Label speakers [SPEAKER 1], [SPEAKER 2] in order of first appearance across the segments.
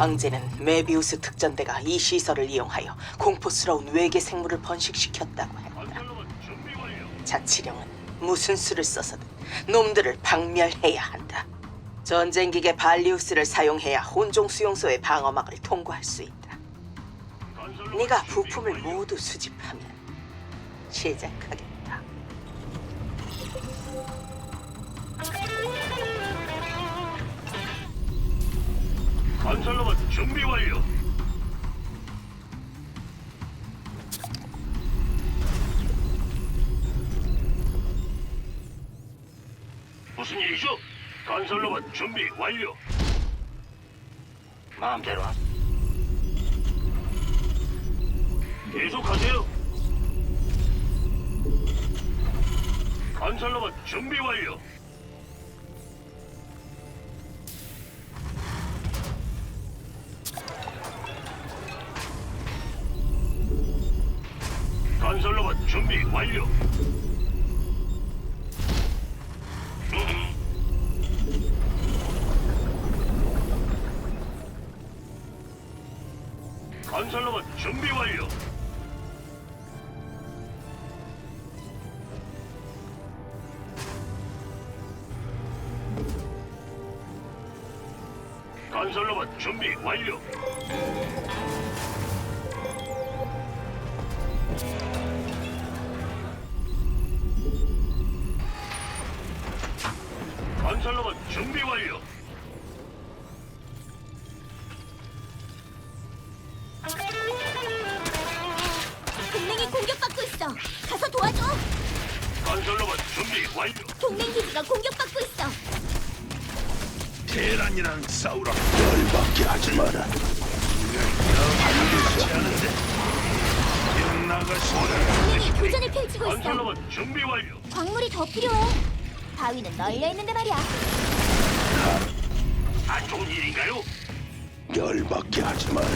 [SPEAKER 1] 황제는 메비우스 특전대가 이 시설을 이용하여 공포스러운 외계 생물을 번식시켰다고 했다.
[SPEAKER 2] 건설로봇 준비 완료.
[SPEAKER 1] 자치령은 무슨 수를 써서든 놈들을 박멸해야 한다. 전쟁기계 발리우스를 사용해야 혼종 수용소의 방어막을 통과할 수 있다.
[SPEAKER 2] 건설로봇
[SPEAKER 1] 네가
[SPEAKER 2] 준비
[SPEAKER 1] 부품을
[SPEAKER 2] 완료.
[SPEAKER 1] 모두 수집하면 시작하겠다.
[SPEAKER 2] 건설로봇 준비 완료. 무슨 일이죠? 건설로봇 준비 완료. 마음대로. 계속하세요. 건설로봇 준비 완료. 건설로봇 준비 완료. 건설로봇 준비 완료. 건설로봇 준비 완료. 건설로봇 준비 완료.
[SPEAKER 3] 동맹이 공격받고 있어. 가서 도와줘.
[SPEAKER 2] 건설로봇 준비 완료.
[SPEAKER 3] 동맹 기지가 공격받고 있어.
[SPEAKER 2] 대란이랑 싸우라.
[SPEAKER 4] 열받게 하지 마라.
[SPEAKER 2] 반드시 하는데. 나가시오라.
[SPEAKER 3] 교전을 펼치고 있어.
[SPEAKER 2] 건설로봇 준비 완료.
[SPEAKER 3] 광물이 더 필요해. 바위는 널려 있는데 말이야.
[SPEAKER 2] 안 좋은 일인가요?
[SPEAKER 4] 열받게 하지 마라.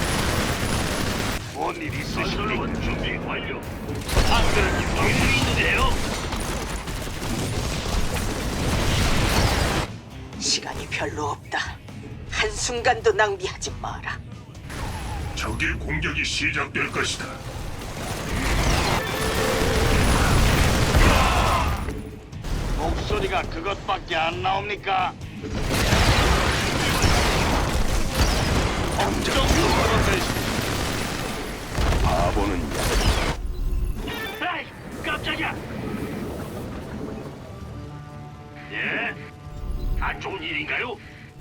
[SPEAKER 2] 뭔일 있으십니까? 건설로봇 준비 완료. 안 그래도 일이 있는데요.
[SPEAKER 1] 시간이 별로 없다. 한순간도 낭비하지 마라.
[SPEAKER 2] 적의 공격이 시작될 것이다. 목소리가 그것밖에 안 나옵니까?
[SPEAKER 4] 당장
[SPEAKER 2] 그런데
[SPEAKER 4] 바보는
[SPEAKER 2] 에이, 깜짝이야. 예? 안 좋은 일인가요?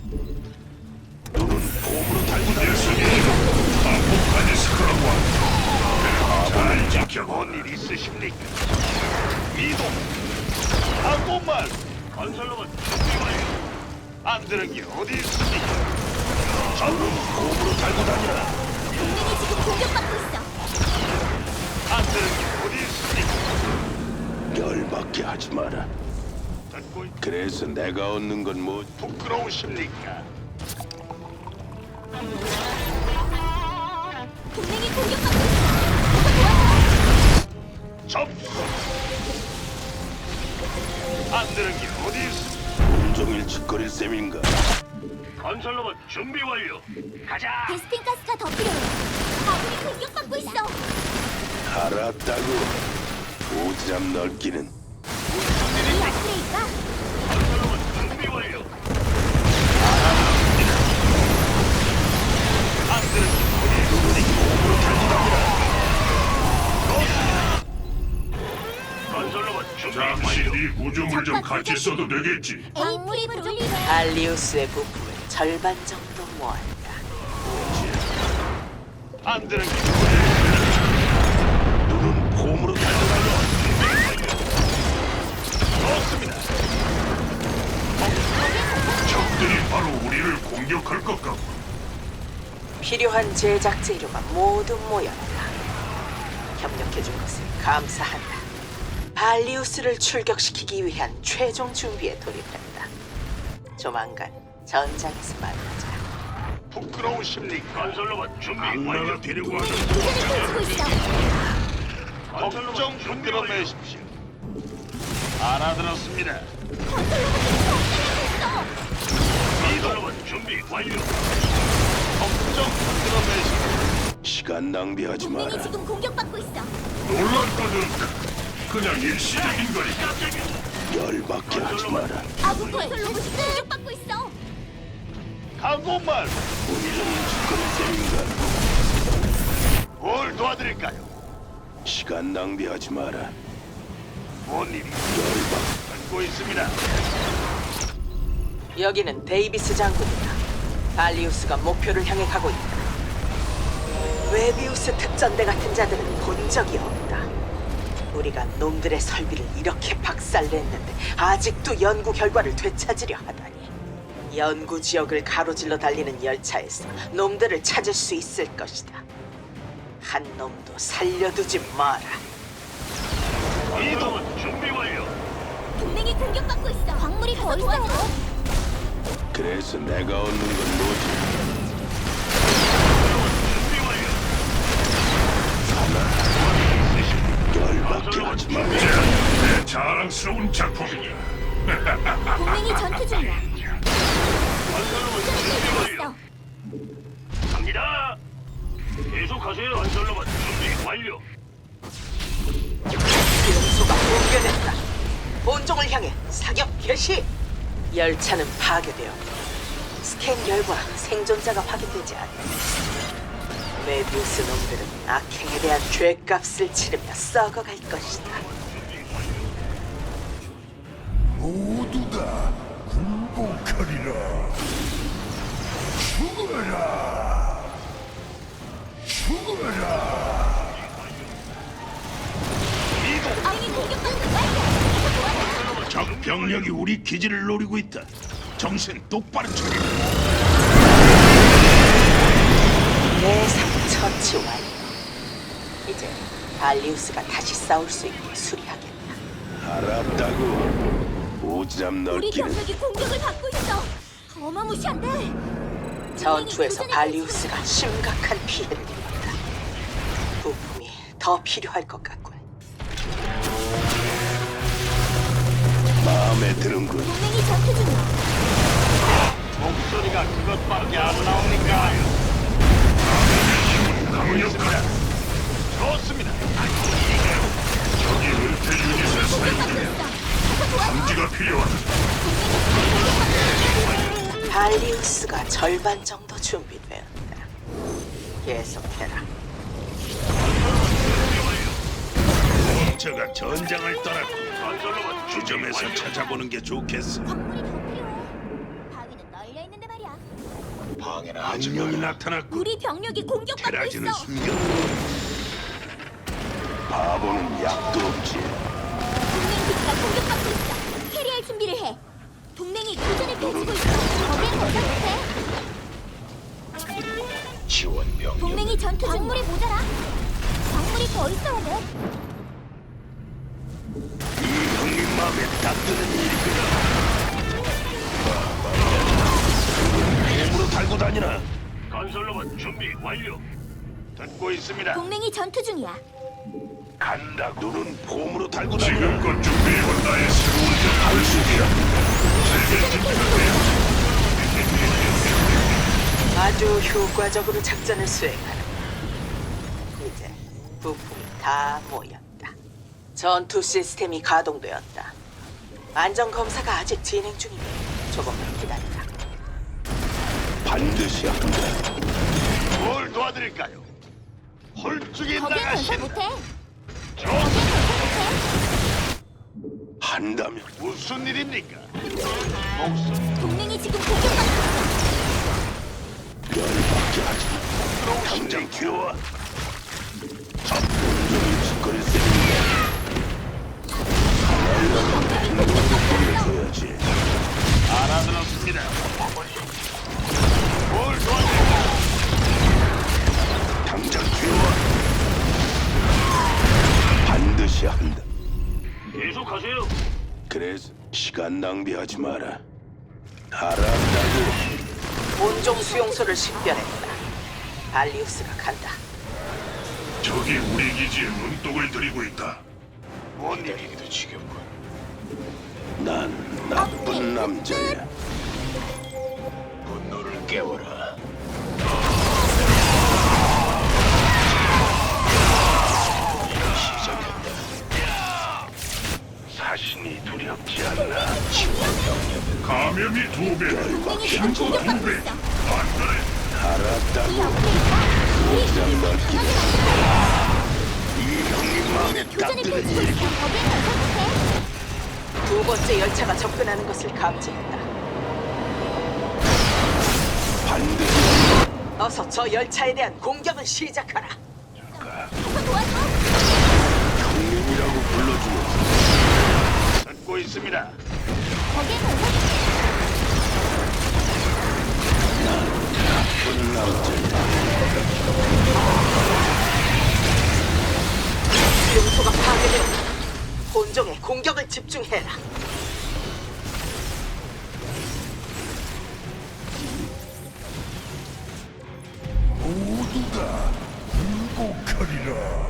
[SPEAKER 4] 눈은 봄으로 달고 다녔으니
[SPEAKER 2] 아포칼리스크라고 잘 지켜본 일 있으십니까? 이동. 하고만. 건설로봇 준비 완료. 안 들은 게 어디 있습니까?
[SPEAKER 4] 눈은 봄으로 달고 다니라.
[SPEAKER 3] 동맹이 지금 공격받고 있어.
[SPEAKER 2] 안 들은 게 어디 있습니까?
[SPEAKER 4] 열받게 하지 마라.
[SPEAKER 2] 듣고 있...
[SPEAKER 4] 그래서 내가 얻는 건 뭐?
[SPEAKER 2] 부끄러우십니까?
[SPEAKER 3] 동맹이 공격받고 있어. 가서 도와줘.
[SPEAKER 2] 접수. 안 들은 게 어디 있습니까?
[SPEAKER 4] 온종일 짓거릴 셈인가?
[SPEAKER 2] 건설로봇 준비 완료. 가자.
[SPEAKER 3] 베스핀 가스가 더 필요해. 아군이 공격받고 있어.
[SPEAKER 4] 알았다고. 오지랖 넓기는
[SPEAKER 3] 이 업그레이드가
[SPEAKER 2] 건설로봇 준비 완료. 안 들은 게 어디 있습니까? 건설로봇 준비 완료.
[SPEAKER 5] 네 구조물 좀 같이 써도 되겠지?
[SPEAKER 3] 광물이 부족해.
[SPEAKER 1] 발리우스의 부품을 절반 정도 모았다.
[SPEAKER 2] 안 들은 게
[SPEAKER 4] 눈은 봄으로 달고 다녀.
[SPEAKER 2] 좋습니다.
[SPEAKER 5] 적들이 바로 우리를 공격할 것 같고
[SPEAKER 1] 필요한 제작 재료가 모두 모였다. 협력해준 것을 감사한다. 발리우스를 출격시키기 위한 최종 준비에 돌입했다. 조만간 전장에서 만나자.
[SPEAKER 2] 부끄러우십니까? 건설로봇 준비 완료.
[SPEAKER 5] 악마가 데리고 와서
[SPEAKER 3] 교전을 펼치고 있어.
[SPEAKER 2] 걱정 흔들어내십시오. 알아들었습니다. 건설로봇 준비 완료. 걱정 끊어내시.
[SPEAKER 4] 시간 낭비하지
[SPEAKER 3] 동맹이
[SPEAKER 4] 마라.
[SPEAKER 3] 지금 공격받고 있어.
[SPEAKER 5] 놀랐거든. 그냥 일시적인 거니까.
[SPEAKER 4] 열받게 하지 마라.
[SPEAKER 3] 아군 건설 로봇이 공격받고 있어.
[SPEAKER 2] 가고만
[SPEAKER 4] 온종일 짓거릴 셈인가?
[SPEAKER 2] 뭘 도와드릴까요?
[SPEAKER 4] 시간 낭비하지 마라.
[SPEAKER 2] 뭔 일이
[SPEAKER 4] 열받.
[SPEAKER 2] 듣고 있습니다.
[SPEAKER 1] 여기는 데이비스 장군이다. 발리우스가 목표를 향해 가고 있다. 웨비우스 특전대 같은 자들은 본 적이 없다. 우리가 놈들의 설비를 이렇게 박살냈는데 아직도 연구 결과를 되찾으려 하다니. 연구 지역을 가로질러 달리는 열차에서 놈들을 찾을 수 있을 것이다. 한 놈도 살려두지 마라.
[SPEAKER 2] 이동은 준비 완료.
[SPEAKER 3] 동맹이 공격받고 있어. 광물이 더 있어.
[SPEAKER 4] 그래서 내가 얻는 건 뭐지?
[SPEAKER 2] 준비 완료.
[SPEAKER 4] 열받게 하지 마라.
[SPEAKER 5] 내 자랑스러운 작품이야.
[SPEAKER 3] 동맹이 전투 중이야.
[SPEAKER 2] 건설로봇 준비 완료. 갑니다. 계속하세요. 건설로봇 준비 완료.
[SPEAKER 1] 수용소가 붕괴됐다. 본종을 향해 사격 개시. 열차는 파괴되었고 스캔 결과 생존자가 확인되지 않는다. 메비우스 놈들은 악행에 대한 죄값을 치르며 썩어갈 것이다.
[SPEAKER 5] 모두 다 굴복하리라. 죽어라. 죽어라.
[SPEAKER 3] 동맹이 공격받고 있어.
[SPEAKER 5] 적 병력이 우리 기지를 노리고 있다. 정신 똑바로 차려.
[SPEAKER 1] 예상 처치 완료. 이제 발리우스가 다시 싸울 수 있게 수리하겠다.
[SPEAKER 4] 알았다고. 오지랖
[SPEAKER 3] 우리
[SPEAKER 4] 넓기는
[SPEAKER 3] 병력이 공격을 받고 있어. 어마무시한데.
[SPEAKER 1] 전투에서 발리우스가 심각한 피해를 입었다. 부품이 더 필요할 것 같군.
[SPEAKER 4] 마음에 드는군.
[SPEAKER 3] 동맹이 전투 중이야.
[SPEAKER 2] 목소리가 그것밖에 안 나옵니까?
[SPEAKER 5] 강력하다.
[SPEAKER 2] 좋습니다.
[SPEAKER 5] 적이 은퇴 유닛을
[SPEAKER 3] 공격받고
[SPEAKER 5] 사용해
[SPEAKER 3] 있어. 가서 도와줘.
[SPEAKER 5] 감지가 필요하다.
[SPEAKER 1] 발리우스가 절반 정도 준비되었다. 계속해라.
[SPEAKER 5] 저가 전장을 떠났고
[SPEAKER 2] 건설로봇
[SPEAKER 5] 주점에서 찾아보는 게 좋겠어.
[SPEAKER 3] 광물이 더 필요해. 바위는 널려 있는데 말이야.
[SPEAKER 4] 방해나
[SPEAKER 5] 한
[SPEAKER 4] 하지
[SPEAKER 5] 명이
[SPEAKER 4] 마라.
[SPEAKER 5] 나타났고
[SPEAKER 3] 우리 병력이 공격받고
[SPEAKER 5] 테라지는
[SPEAKER 3] 있어.
[SPEAKER 5] 숨겨.
[SPEAKER 4] 바보는 약도 없지.
[SPEAKER 3] 동맹 기지가 공격받고 있어. 캐리할 준비를 해. 동맹이 교전을 펼치고 있어. 거기엔 건설 못해.
[SPEAKER 4] 지원 병력.
[SPEAKER 3] 동맹이 전투 중. 광물이 모자라. 광물이 더 있어야 돼.
[SPEAKER 4] 이 형님 마음에 딱 드는 일이구나. 몸으로 달고 다니나?
[SPEAKER 2] 건설로봇 준비 완료. 듣고 있습니다.
[SPEAKER 3] 동맹이 전투 중이야.
[SPEAKER 4] 간다. 눈은 폼으로 달고 다니나?
[SPEAKER 5] 지금껏 준비해온 나의 새로운 한식이야. 세계 진출해.
[SPEAKER 1] 아주 효과적으로 작전을 수행하라. 이제 부품이 다 모였다. 전투 시스템이 가동되었다. 안전 검사가 아직 진행 중이니 조금만 기다리라.
[SPEAKER 4] 반드시 한다.
[SPEAKER 2] 뭘 도와드릴까요? 홀쭉이
[SPEAKER 3] 거기엔 건설
[SPEAKER 2] 나가신
[SPEAKER 3] 못해.
[SPEAKER 2] 저
[SPEAKER 3] 거기엔 건설
[SPEAKER 4] 한다면
[SPEAKER 2] 무슨 일입니까? 목소리
[SPEAKER 3] 못해. 동맹이 지금 공격받고 있어.
[SPEAKER 4] 열받게 하지 마. 당장 튀어와. 온종일 짓거릴 셈인가? 보여줘야지.
[SPEAKER 2] 알아들었습니다. 뭘 도와드릴까요?
[SPEAKER 4] 당장 튀어와. 반드시 한다.
[SPEAKER 2] 계속하세요.
[SPEAKER 4] 그래서 시간 낭비하지 마라. 알았다고.
[SPEAKER 1] 본종 수용소를 식별했다. 발리우스가 간다.
[SPEAKER 5] 적이 우리 기지에 눈독을 들이고 있다.
[SPEAKER 2] 뭔 일이기도 지겹군.
[SPEAKER 4] 난 나쁜 남자야.
[SPEAKER 2] 분노를 깨워라.
[SPEAKER 4] 반드시 한다.
[SPEAKER 5] 감염이 2배다.
[SPEAKER 3] 동맹이 지금 공격받고 있어.
[SPEAKER 5] 안돼.
[SPEAKER 4] 알았다고.
[SPEAKER 3] 이 업그레이드가 우리 기지를 더 강하게 만들어.
[SPEAKER 4] 이 형님 마음에 딱
[SPEAKER 3] 교전을
[SPEAKER 4] 드는
[SPEAKER 3] 펼치고
[SPEAKER 4] 일.
[SPEAKER 3] 있어. 거기에 건설부해.
[SPEAKER 1] 두 번째 열차가 접근하는 것을 감지했다.
[SPEAKER 4] 반드시
[SPEAKER 1] 어서 저 열차에 대한 공격을 시작하라.
[SPEAKER 3] 가서 도와줘.
[SPEAKER 4] 형님이라고 불러주면
[SPEAKER 2] 듣고 있습니다.
[SPEAKER 3] 거기에 건설부해.
[SPEAKER 4] 나쁜 남자.
[SPEAKER 1] 수용소가 파괴되었다. 본종의 공격을 집중해라.
[SPEAKER 5] 모두가 굴복하리라.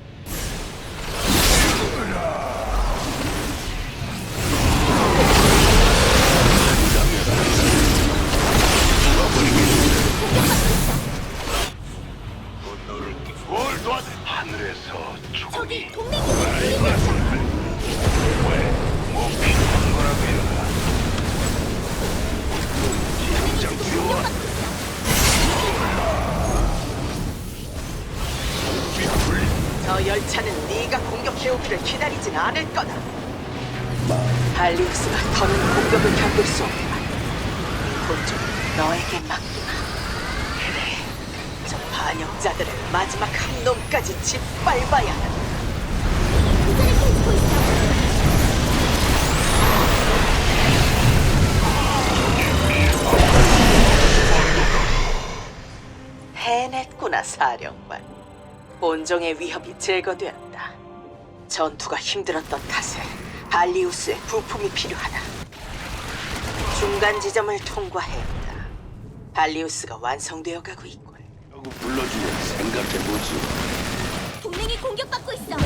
[SPEAKER 2] 분노를 뭘 도와줘?
[SPEAKER 4] 하늘에서
[SPEAKER 3] 저기
[SPEAKER 4] 죽음이
[SPEAKER 3] 동맹 기지를 노리고 있어.
[SPEAKER 4] 뭐 필요한 거라고 해라.
[SPEAKER 3] 동맹이 지금 공격받고 있어.
[SPEAKER 1] 저 열차는 네가 공격해오기를 기다리진 않을 거다. 발리우스가 더는 공격을 견딜 수 없다. 본종 너에게 맡기마. 그래, 저 반역자들을 마지막 한 놈까지 짓밟아야 한다.
[SPEAKER 3] 교전을 펼치고 있어.
[SPEAKER 1] 해냈구나, 사령관. 본종의 위협이 제거되었다. 전투가 힘들었던 탓에 발리우스의 부품이 필요하다. 중간 지점을 통과했다. 발리우스가 완성되어 가고 있군.
[SPEAKER 4] 라고 불러주면 생각해보지.
[SPEAKER 3] 동맹이 공격받고 있어.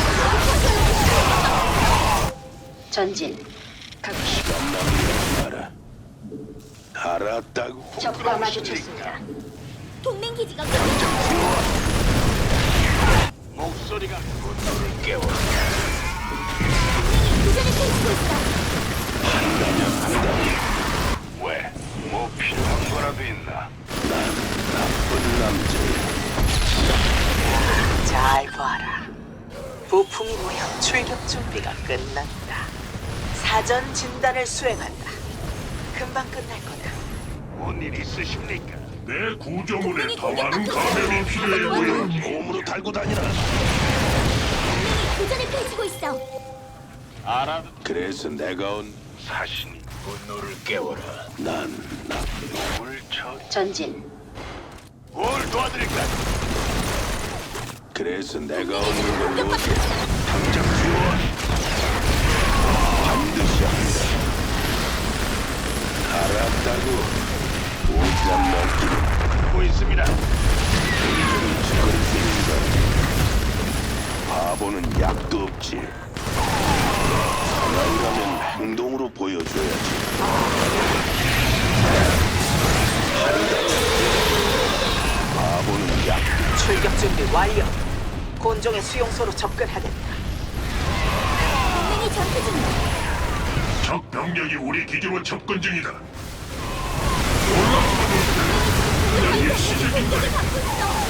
[SPEAKER 6] 전진.
[SPEAKER 4] 시간 낭비하지 마라. 알았다고.
[SPEAKER 6] 적과 마주쳤습니다.
[SPEAKER 3] 동맹 기지가 공격받고 있어.
[SPEAKER 2] 목소리가
[SPEAKER 4] 분노를 깨워.
[SPEAKER 3] 동맹이 교전을 펼치고 있어.
[SPEAKER 4] 한다면 한다. 왜? 뭐 필요한 거라도 있나? 난 나쁜 남자야.
[SPEAKER 1] 잘 봐라. 부품이 모여 출격 준비가 끝났다. 사전 진단을 수행한다. 금방 끝날 거다.
[SPEAKER 2] 뭔 일 있으십니까?
[SPEAKER 5] 내 구조물에 더 많은 감염이 필요해 보여.
[SPEAKER 4] 몸으로 달고 다니라.
[SPEAKER 3] 동맹이 교전을 펼치고 있어.
[SPEAKER 2] 알아.
[SPEAKER 4] 그래서 내가 온 사신이 분노를 깨워라. 난 나쁜 놈을 쳐.
[SPEAKER 6] 전진.
[SPEAKER 2] 뭘 도와드릴까?
[SPEAKER 4] 그래서 내가 온
[SPEAKER 3] 동맹이 지금
[SPEAKER 4] 걸
[SPEAKER 3] 공격받고 있어.
[SPEAKER 4] 당장 지원. 반드시 한다. 알았다고. 오장 넘기는
[SPEAKER 2] 듣고 있습니다.
[SPEAKER 4] 짓거릴 수 있는가? 바보는 약도 없지. 사나이라면 행동으로 보여줘야지. 바보는 약.
[SPEAKER 1] 출격 준비 완료. 곤종의 수용소로 접근하겠다.
[SPEAKER 3] 동맹이 전투 중이야.
[SPEAKER 5] 적 병력이 우리 기지로 접근 중이다.
[SPEAKER 3] 동맹이 공격을 받고 있어.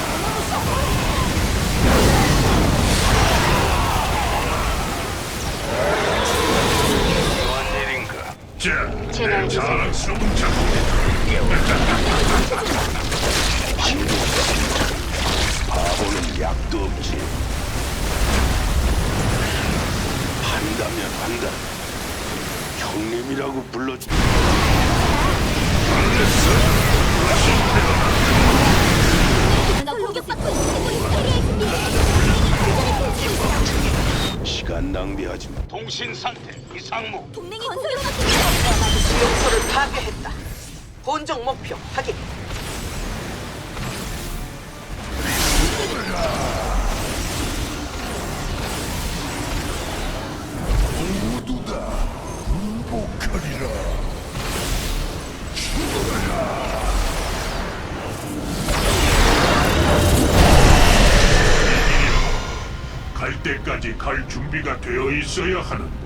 [SPEAKER 4] 무슨 일인가?
[SPEAKER 5] 자,
[SPEAKER 6] 채널
[SPEAKER 5] 내
[SPEAKER 6] 기술.
[SPEAKER 5] 자랑스러운 작품.
[SPEAKER 4] 바보는 약도 없지. 한다면 한다. 형님이라고 불러주.
[SPEAKER 3] 기지가 공격받고 있어. 캐리할 준비해. 교전을 펼치고 있어.
[SPEAKER 4] 시간 낭비하지 마.
[SPEAKER 2] 통신 상태 이상무.
[SPEAKER 3] 동맹이 공격받고 있어.
[SPEAKER 1] 수용소를 파괴했다. 본종 목표 확인.
[SPEAKER 5] 모두 다 굴복하리라. 갈 때까지 갈 준비가 되어 있어야 하는데.